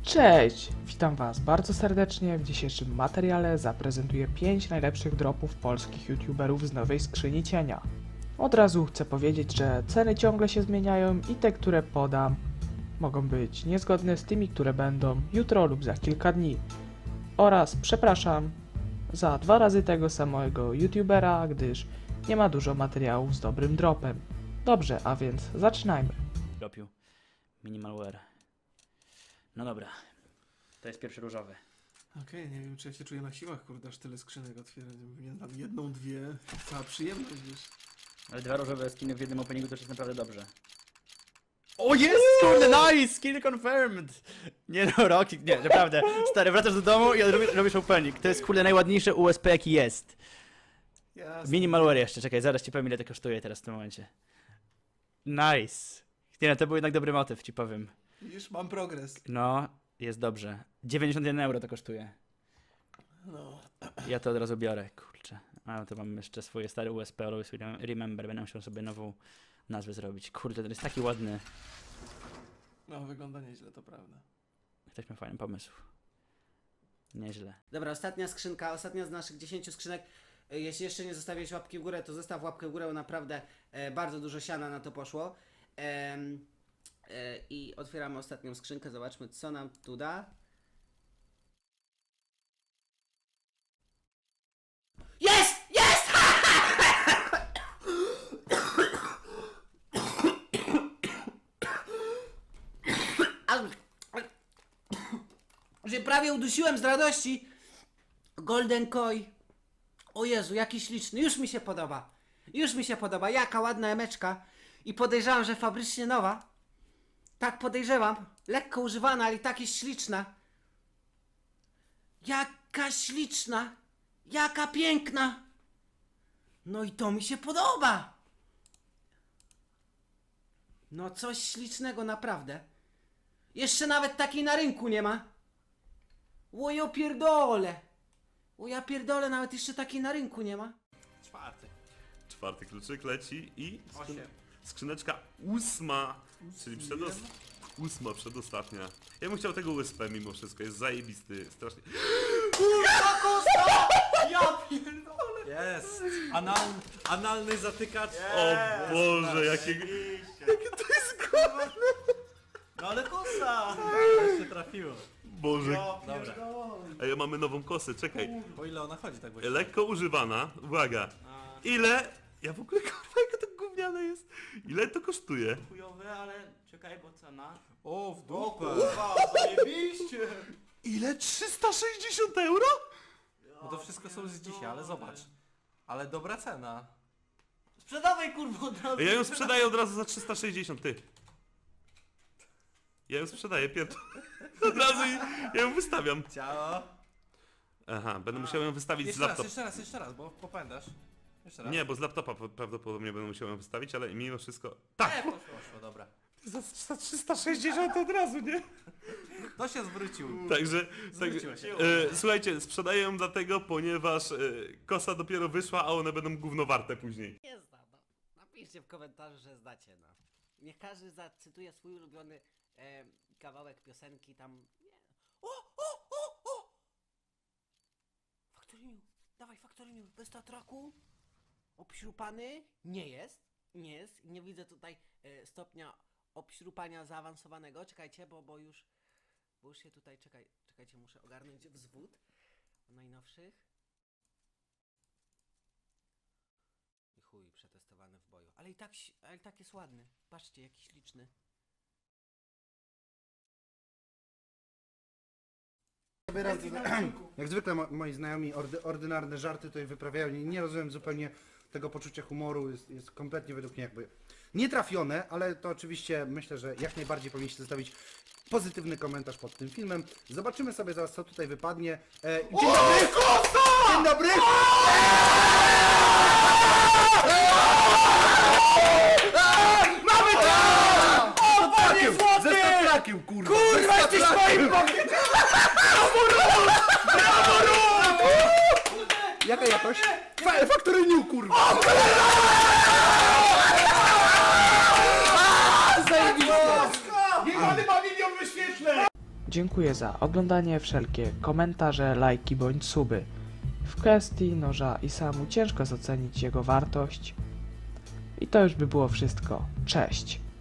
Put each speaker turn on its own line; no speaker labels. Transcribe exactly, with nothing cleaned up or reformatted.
Cześć! Witam Was bardzo serdecznie. W dzisiejszym materiale zaprezentuję pięć najlepszych dropów polskich youtuberów z nowej skrzyni cienia. Od razu chcę powiedzieć, że ceny ciągle się zmieniają i te, które podam, mogą być niezgodne z tymi, które będą jutro lub za kilka dni. Oraz przepraszam za dwa razy tego samego youtubera, gdyż nie ma dużo materiałów z dobrym dropem. Dobrze, a więc zaczynajmy.
Dropił Minimalware. No dobra, to jest pierwszy różowy.
Okej, okay, nie wiem, czy ja się czuję na siłach, kurde, aż tyle skrzynek otwierać. Nie tam jedną, dwie, cała przyjemność, wiesz.
Ale dwa różowe skiny w jednym openingu to już jest naprawdę dobrze. O jest! Kurde, nice! Skin confirmed! Nie no, Rocky, nie, naprawdę. Stary, wracasz do domu i robisz, robisz opening. To jest kurde najładniejsze U S P jaki jest.
Jasne.
Minimalware jeszcze, czekaj, zaraz ci powiem ile to kosztuje teraz w tym momencie. Nice! Nie no, to był jednak dobry motyw, ci powiem.
Widzisz, mam progres.
No, jest dobrze. dziewięćdziesiąt jeden euro to kosztuje.
No.
Ja to od razu biorę, kurczę. A to mam jeszcze swoje stare U S P, Always Remember, będę musiał sobie nową nazwę zrobić. Kurde, to jest taki ładny.
No, wygląda nieźle, to prawda.
Ktoś ma fajny pomysł. Nieźle.
Dobra, ostatnia skrzynka, ostatnia z naszych dziesięciu skrzynek. E, Jeśli jeszcze nie zostawiłeś łapki w górę, to zostaw łapkę w górę, bo naprawdę e, bardzo dużo siana na to poszło. Em, e, I otwieramy ostatnią skrzynkę, zobaczmy co nam tu da. Jest! Jest! Że prawie udusiłem z radości. Golden Koi. O Jezu, jaki śliczny. Już mi się podoba. Już mi się podoba. Jaka ładna emeczka. I podejrzewam, że fabrycznie nowa. Tak podejrzewam. Lekko używana, ale i tak jest śliczna. Jaka śliczna. Jaka piękna. No i to mi się podoba. No coś ślicznego naprawdę. Jeszcze nawet takiej na rynku nie ma. O ja pierdolę. O ja pierdolę, nawet jeszcze takiej na rynku nie ma.
Czwarty.
Czwarty kluczyk leci i skrzyn
Osiem.
skrzyneczka ósma, czyli przedost ósma, przedostatnia. Ja bym chciał tego U S P mimo wszystko, jest zajebisty, strasznie.
Ja pierdolę.
Jest! Anal, analny zatykacz.
O Boże, jakie...
No ale kosa! Jeszcze trafiło.
Boże.
Dobra.
Ej, mamy nową kosę, czekaj.
Po ile ona chodzi tak właśnie?
Lekko używana, uwaga. Ile... Ja w ogóle kurwa, jaka to gówniane jest. Ile to kosztuje?
Chujowe, ale czekaj, bo cena.
O, w dupę!
Zajebiście.
Ile? trzysta sześćdziesiąt euro?
No to wszystko są z dzisiaj, ale zobacz. Ale dobra cena.
Sprzedawaj kurwa od razu.
Ja ją sprzedaję od razu za trzysta sześćdziesiąt, ty. Ja ją sprzedaję, pierdol. Od razu i ja ją wystawiam.
Ciało.
Aha, będę musiał ją wystawić z
Jeszcze raz,
laptopa.
jeszcze raz, jeszcze raz, bo popędasz. Jeszcze raz.
Nie, bo z laptopa p- prawdopodobnie będę musiał ją wystawić, ale mimo wszystko... Tak!
Nie, poszło, poszło, dobra.
Za, za trzysta sześćdziesiąt od razu, nie?
To się zwrócił.
Także...
Zwróciła
tak,
się.
e, słuchajcie, sprzedaję ją dlatego, ponieważ e, kosa dopiero wyszła, a one będą gówno warte później.
Nie zna, no. Napiszcie w komentarzu, że znacie, no. Niech każdy zacytuje swój ulubiony e, kawałek piosenki tam. Nie. O, o, o, o! Factory New, dawaj Factory New, bez tatraku. Obśrupany? Nie jest, nie jest. Nie widzę tutaj e, stopnia obśrupania zaawansowanego. Czekajcie, bo, bo już, bo już się tutaj, czekaj, czekajcie, muszę ogarnąć wzwód najnowszych. I chuj, przetestowany w boju. Ale i tak, ale i tak jest ładny. Patrzcie, jaki śliczny.
Jak zwykle mo moi znajomi ordy ordynarne żarty tutaj wyprawiają. Nie, nie rozumiem zupełnie tego poczucia humoru. Jest, jest kompletnie według mnie jakby nietrafione, ale to oczywiście myślę, że jak najbardziej powinniście zostawić pozytywny komentarz pod tym filmem. Zobaczymy sobie zaraz, co tutaj wypadnie. E, dzień dobry! Dzień dobry! Mamy to! O, panie złoty! Ze statrakiem, kurwa! Kurwa, jesteś moim bokiem! Jaka jakość? Factory New, kurwa!
Dziękuję za oglądanie, wszelkie komentarze, lajki bądź suby. W kwestii noża i samu ciężko ocenić jego wartość. I to już by było wszystko. Cześć!